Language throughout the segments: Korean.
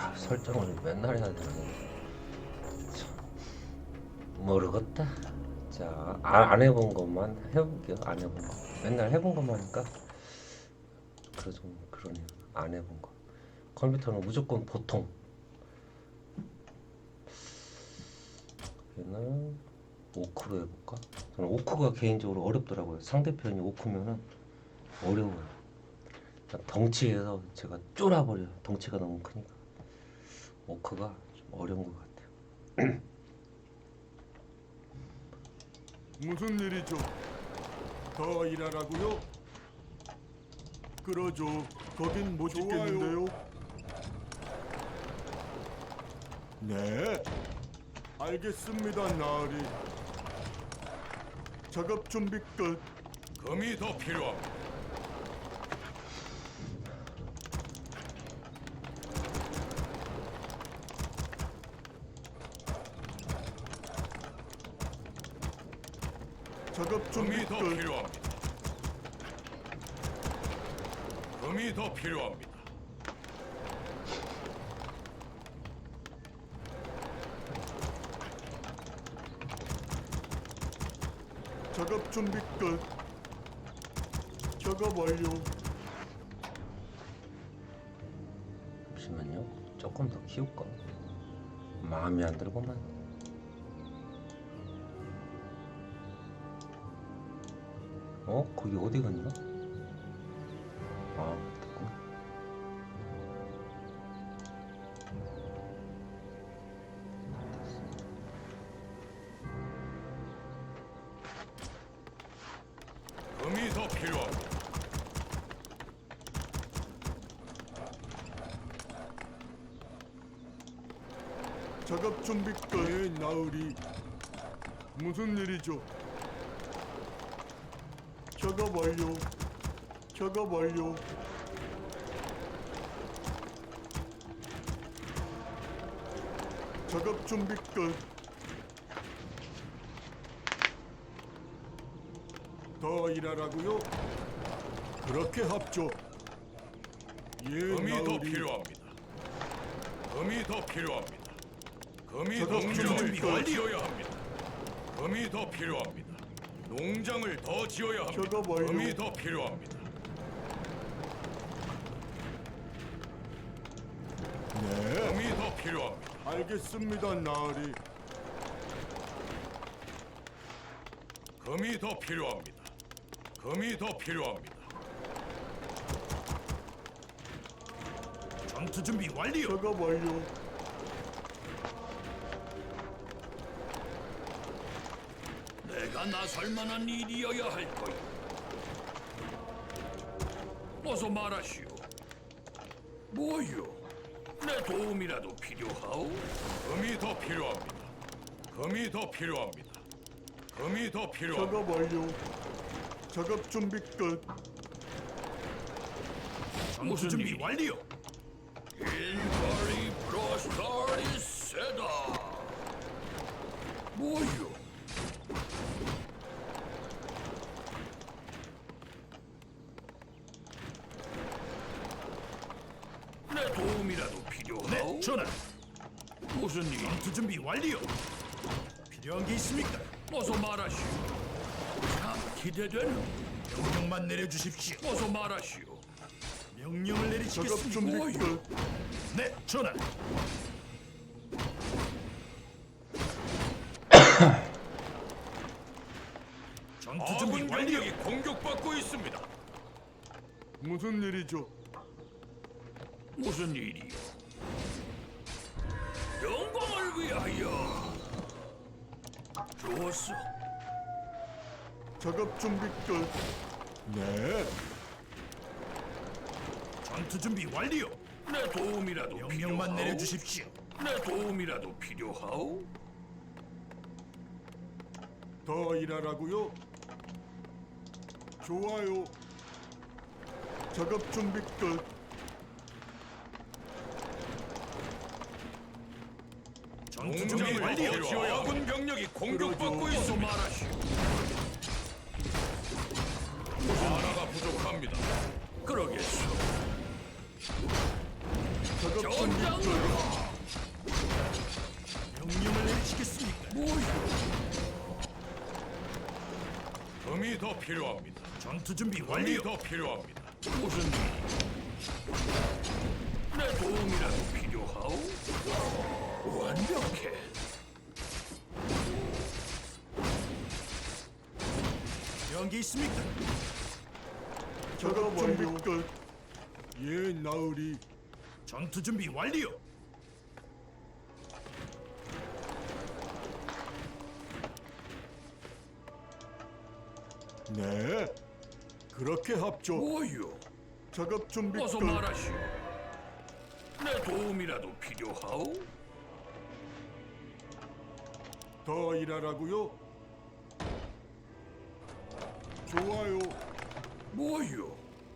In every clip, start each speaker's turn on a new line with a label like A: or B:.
A: 설정을 맨날 해야 되네. 모르겠다. 자, 안 해본 것만 해볼게요. 안 해본 거. 맨날 해본 것만 하니까 그러네요. 안 해본 거. 컴퓨터는 무조건 보통. 얘는 오크로 해볼까? 저는 오크가 개인적으로 어렵더라고요. 상대편이 오크면은 어려워요. 덩치에서 제가 쫄아버려요. 덩치가 너무 크니까. 오크가 좀 어려운 것 같아요.
B: 무슨 일이죠? 더 일하라고요? 그러죠. 거긴 못 있겠는데요. 네. 알겠습니다, 나으리. 작업 준비 끝.
C: 금이 더 필요합니다.
B: 작업 준비
C: 금이 더
B: 끝.
C: 필요합니다. 금이 더 필요합니다.
B: 작업 준비 끝. 작업 완료.
A: 잠시만요. 조금 더 키울까? 마음이 안 들구만. 거기 어디 갔나? 아, 됐구나.
C: 금이 더 필요합니다.
B: 작업 준비 끝. 네, 나으리. 무슨 일이죠? 작업 완료. 작업 완료. 작업 준비 끝. 더 일하라고요? 그렇게 합죠. 예,
C: 금이 더
B: 나으리.
C: 필요합니다. 금이 더 필요합니다. 금이
B: 작업
C: 농장을
B: 준비
C: 더
B: 완료.
C: 지어야 합니다. 금이 더 필요합니다. 농장을 더 지어야 합니다.
B: 작업 완료.
C: 금이 더 필요합니다.
B: 네,
C: 금이 더 필요합니다.
B: 알겠습니다, 나으리.
C: 금이 더 필요합니다. 금이 더 필요합니다. 전투 준비 완료.
B: 작업 완료.
C: 내가 나설 만한 일이어야 할 거야. 어서 말하시오. 뭐요? 내 도움이라도 필요하오? 금이 더 필요합니다. 금이 더 필요합니다. 금이 더 필요합니다.
B: 작업 완료. 작업 준비 끝.
C: 전투 준비 완료. 인파리 프로스타리 세다. 뭐요? 내 도움이라도 필요하오? 네, 전하. 무슨 일? 전투 준비 완료. 필요한 게 있습니까? 어서 말하시오. 참 기대되는.
D: 명령만 내려주십시오.
C: 어서 말하시오.
D: 명령을
B: 작업
D: 내리시겠습니다.
B: 준비
C: 뭐요?
B: 끝.
D: 네, 전하. 전투 준비
C: 아군
D: 완료.
C: 병력이 공격받고 있습니다.
B: 무슨 일이죠?
C: 무슨 일이요? 영광을 위하여. 좋았어.
B: 작업 준비 끝. 네,
D: 전투 준비 완료.
C: 내 도움이라도
D: 명령만
C: 필요하오?
D: 내려주십시오.
C: 내 도움이라도 필요하오?
B: 더 일하라고요? 좋아요. 작업 준비 끝.
D: 전투 준비
C: 농장을
D: 완료.
C: 더 지어야 아군 병력이 공격받고
B: 그러죠.
C: 있어 말하시오. 하나가 부족합니다. 그러겠소.
B: 작업 작업 준비 끝.
D: 명령을 내리시겠습니까?
C: 금이 더 필요합니다.
D: 전투 준비
C: 금이
D: 완료.
C: 더 필요합니다. 무슨 일? 내 도움이라도 필요하오? 완벽해.
D: 필요한 게 있습니까?
B: 작업 준비 끝. 예, 나으리.
D: 전투 준비 완료.
B: 네. 그렇게 합죠.
C: 뭐요?
B: 작업 준비
C: 어서
B: 끝.
C: 말하시오. 내 도움이라도 필요하오?
B: 더 일하라고요? 좋아요.
C: 뭐요?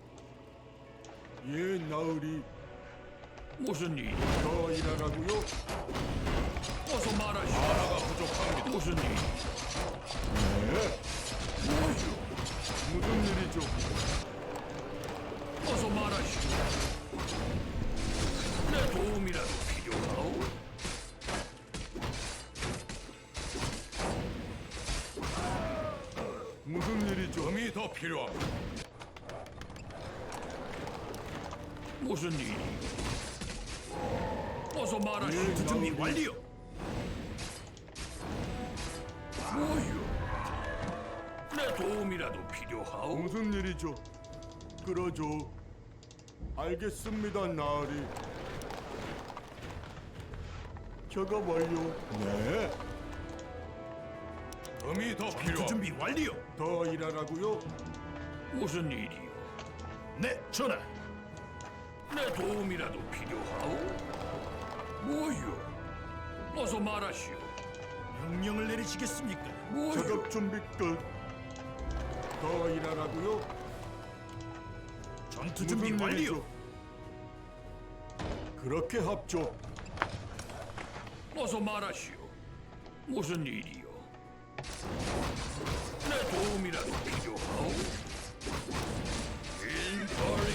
B: 예, 나으리.
C: 무슨 일?
B: 더 일하라고요?
C: 어서 말하시오. 하나가 부족합니다. 무슨 일?
B: 네.
C: 뭐요?
B: 무슨 일이죠?
C: 어서 말하시오. 내 도움이라도 필요하오?
B: 무슨 일이죠?
C: 금이 더 필요합니다. 무슨 일이? 어서 말하시오.
B: 예,
D: 전투 준비
B: 나으리.
D: 완료.
C: 뭐요? 내 도움이라도 필요하오?
B: 무슨 일이죠? 그러죠. 알겠습니다, 나으리. 작업 완료. 네.
C: 금이 더
D: 전투
C: 필요합니다.
D: 준비 완료.
B: 더 일하라고요?
C: 무슨 일이요?
D: 네, 전하.
C: 내 도움이라도 필요하오? 뭐요? 어서 말하시오.
D: 명령을 내리시겠습니까?
C: 뭐요?
B: 작업 준비 끝. 더 일하라고요?
D: 전투 준비
B: 무슨
D: 완료.
B: 일이죠? 그렇게 합죠.
C: 어서 말하시오. 무슨 일이요? 내 도움이라도 필요하오? 인파리